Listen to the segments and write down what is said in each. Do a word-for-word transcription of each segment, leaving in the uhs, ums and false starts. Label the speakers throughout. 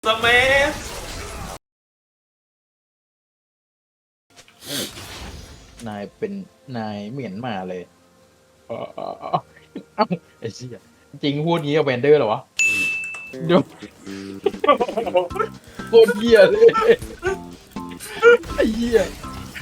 Speaker 1: เมัส
Speaker 2: นายเป็นนายเหมียนมาเลยเออเออเออไอ้เชี่ยจริงพูดงี้กับแวนเดอร์เหรอวะเดี๋ยวโคตรเหี้ยเลยไอ้เหี้ย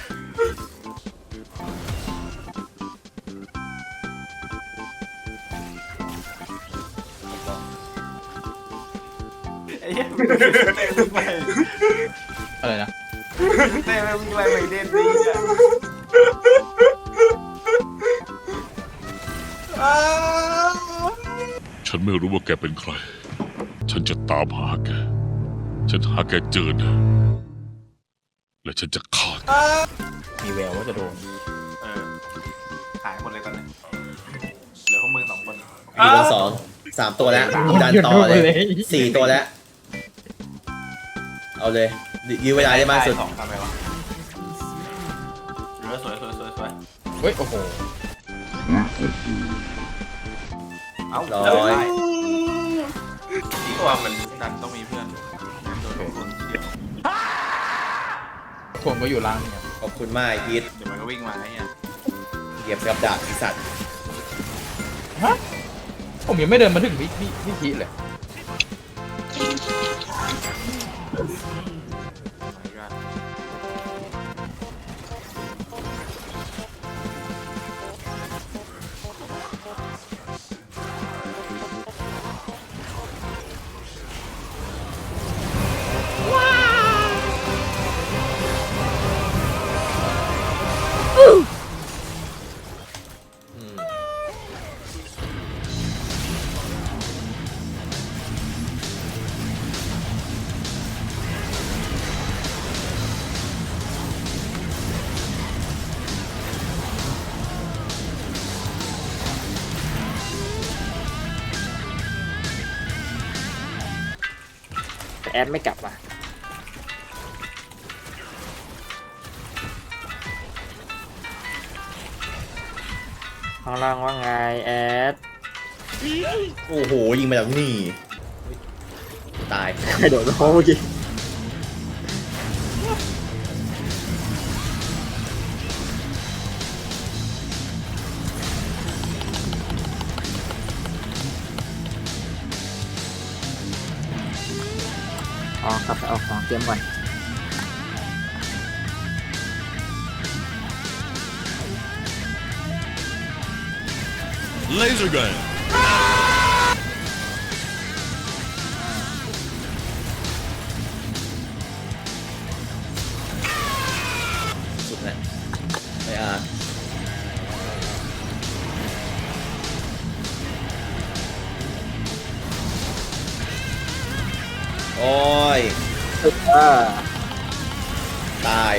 Speaker 1: ไอ้เหี้ยเต้วิ่งไป
Speaker 2: อะไรนะ
Speaker 1: เต้วิ่งไปไปเด่นดีอ่ะ
Speaker 3: ฉันไม่รู้ว่าแกเป็นใคร ฉันจะตามหาแก ฉันหาแกเจอนะและฉันจะฆ่าแก
Speaker 2: มีแววว่าจะโดน
Speaker 1: เออหายหมดเลยตอนนี้เหลือพวกมึงสองคน
Speaker 4: อยู่บนสองสามตัวแล้วดันต่อเลยสี่ตัวแล้ว เอาเลยยื้อเวลาได้มากสุด
Speaker 1: สองทำไมวะเหลือสวยสวยสวยสวย
Speaker 2: เฮ้ยโอ้โห
Speaker 1: เอ้า
Speaker 4: ร้อย
Speaker 1: ที่ตัวมันดันต้องมีเพื่อนโดนคนเดียว
Speaker 2: ทวงก็อยู่ล่างเนี่ย
Speaker 4: ขอบคุณมากพีท
Speaker 1: เดี๋ยวมันก็วิ่งมาไอ้เนี่ย
Speaker 4: เหยียบกับดักอีสัตว์
Speaker 2: ฮะผมยังไม่เดินมาถึงวิวิวิธีเลย
Speaker 4: อืม
Speaker 5: แต่แอดไม่กลับว่ะข้างล่างว่าไงแอด
Speaker 4: โอ้โหยิงมาจากนี่ตาย
Speaker 5: ใครโดดน้องเมื่อกี้อ๋อครับไปเอาของเตรียมก่อน
Speaker 3: เลเซอร์กัน
Speaker 4: สุดแล้วไม่อาโอ้ย
Speaker 5: อ่า
Speaker 4: ตาย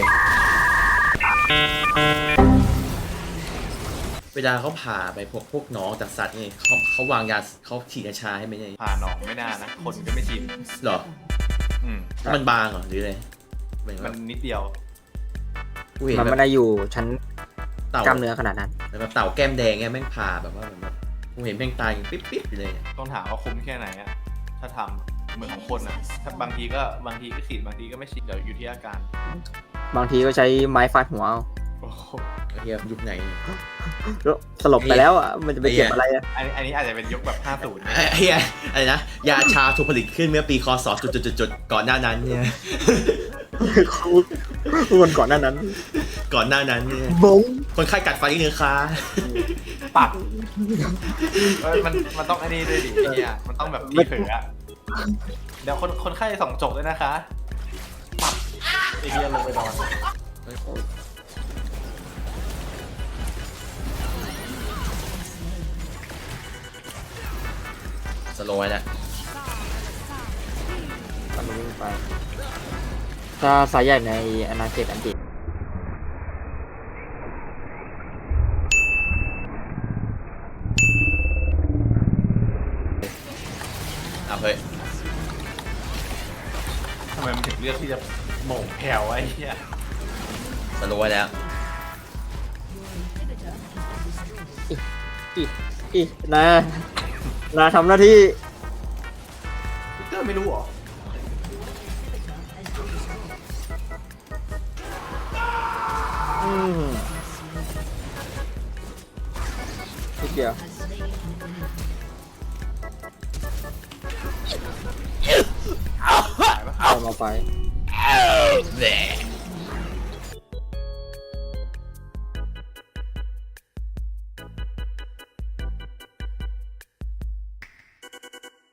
Speaker 4: เวลาเขาผ่าไปพวกพวกน้องจากสัตว์นี่เขาเขาวางยาเขาฉีดยาชาให้ไหมเนี่ย
Speaker 1: ผ่านหนองไม่น่านะ คนก็ไม่ชิน
Speaker 4: เหรอ
Speaker 1: อืม
Speaker 4: มันบางเหรอหรืออะไรหมายถึง
Speaker 1: มั
Speaker 4: ว่าน
Speaker 1: นิดเดียว
Speaker 4: กูเห็น
Speaker 5: มัน
Speaker 4: แบ
Speaker 5: ไม่
Speaker 4: บ
Speaker 5: ได้อยู่ชั้น
Speaker 4: เต่าก
Speaker 5: ล้ามเนื้อขนาดนั้น
Speaker 4: แบบเต่าแก้มแดงเงี้ยแม่งผ่าแบบว่าเหมือนแบบกูเห็นแม่งตายปิ๊บปิ๊บอยู่เลยเนี่ย
Speaker 1: ต้องถามว่าคุ้มแค่ไหนอะถ้าทำเหมือนของคนอะถ้าบางทีก็บางทีก็ฉีดบางทีก็ไม่ฉีดเดี๋ยวอยู่ที่อาการ
Speaker 5: บางทีก็ใช้ไม้ฟาดหัวเอา
Speaker 1: โอ้โห
Speaker 4: ไอ้เฮียยุคไหนเนี่ย
Speaker 5: แล้วสลบไปแล้วอ่ะมันจะไปเก็บอะไรอ่ะ
Speaker 1: อันนี้อันนี้อาจจะเป็นยุคแบบห้าสิบนะ
Speaker 4: ไอ้เฮียอะไรนะยาชาถูกผลิตขึ้นเมื่อปีคศจุดจุดจุดจุดก่อนหน้านั้นเนี่ย
Speaker 5: วันก่อนหน้านั้น
Speaker 4: ก่อนหน้านั้นเนี่ย
Speaker 5: บง
Speaker 4: คนไข้กัดฟันที่เนื้อค้า
Speaker 1: ปักเอ้ยมันมันต้องอันนี้ด้วยดิไอ้เนี่ยมันต้องแบบที่เผลออะเดี๋ยวคนคนไข้ส่องจบด้วยนะคะปักไอ้เหี้ยลงไปนอน
Speaker 4: สโลว์ไว้แล้ว
Speaker 5: ตอนนี้วิ่งไปถ้าสายใหญ่ในอนาเขตอันติ
Speaker 4: เอาเฮ้ย
Speaker 1: ทำไมมันถึงเลือกที่จะโหม่งแผ่วไอ้เหี้ย
Speaker 4: สโลว์ไว้แล้ว
Speaker 5: อีอีนานาทำหน้าที่
Speaker 1: วิกเตอร์ไม่รู้เหรอ
Speaker 5: อืมพี่เกียวเอามาไป